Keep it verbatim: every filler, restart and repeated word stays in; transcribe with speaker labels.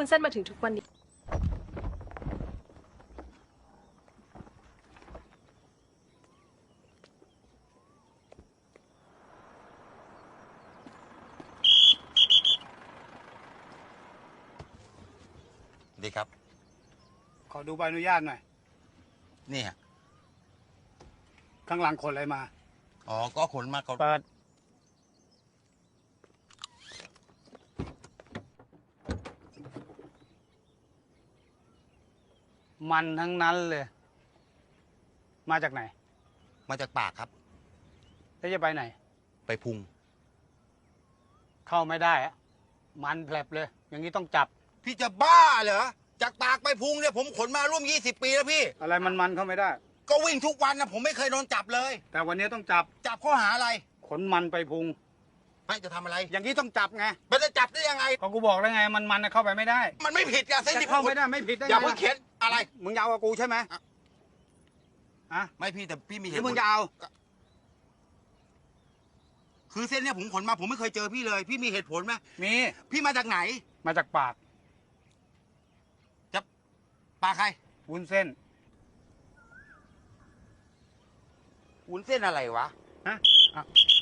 Speaker 1: วุ้นเส้นมาถึงทุกวันนี้
Speaker 2: ดีครับ
Speaker 3: ขอดูใบอนุญาตหน่อย
Speaker 2: นี่ฮะ
Speaker 3: ข้างหลังขนอะไรมา
Speaker 2: อ๋อก็ขนมาเขา
Speaker 3: เปิดมันทั้งนั้นเลยมาจากไหน
Speaker 2: มาจากปากครับ
Speaker 3: แล้วจะไปไหน
Speaker 2: ไปพุง
Speaker 3: เข้าไม่ได้อะมันแผลบเลยอย่างนี้ต้องจับ
Speaker 2: พี่จะบ้าเหรอจากปากไปพุงเนี่ยผมขนมาร่วมยี่สิบปีแล้วพี่
Speaker 3: อะไรมันมันเข้าไม่ได้
Speaker 2: ก็วิ่งทุกวันนะผมไม่เคยโดนจับเลย
Speaker 3: แต่วันนี้ต้องจับ
Speaker 2: จับข้อหาอะไร
Speaker 3: ขนมันไปพุง
Speaker 2: ไม่จะทำอะไร
Speaker 3: อย่างนี้ต้องจับไง
Speaker 2: มันจะจับได้ยังไง
Speaker 3: ก็กูบอกแล้วไงมันมันเข้าไปไม่ได้
Speaker 2: มันไม่ผิดอะเส้นที่
Speaker 3: เข้าไม่ได้ไม่ผิดได้ไง
Speaker 2: อย่าเพิ่งเข็นอะไร
Speaker 3: มึงยาวกับกูใช่ไหม
Speaker 2: อะไม่พี่แต่พี่มีเหตุ
Speaker 3: มึงยาว
Speaker 2: คือเส้นเนี้ยผมขนมาผมไม่เคยเจอพี่เลยพี่มีเหตุผลไหม
Speaker 3: มี
Speaker 2: พี่มาจากไหน
Speaker 3: มาจากปาก
Speaker 2: จะปากใคร
Speaker 3: วุ้นเส้น
Speaker 2: วุ้นเส้นอะไรวะ
Speaker 3: ฮะ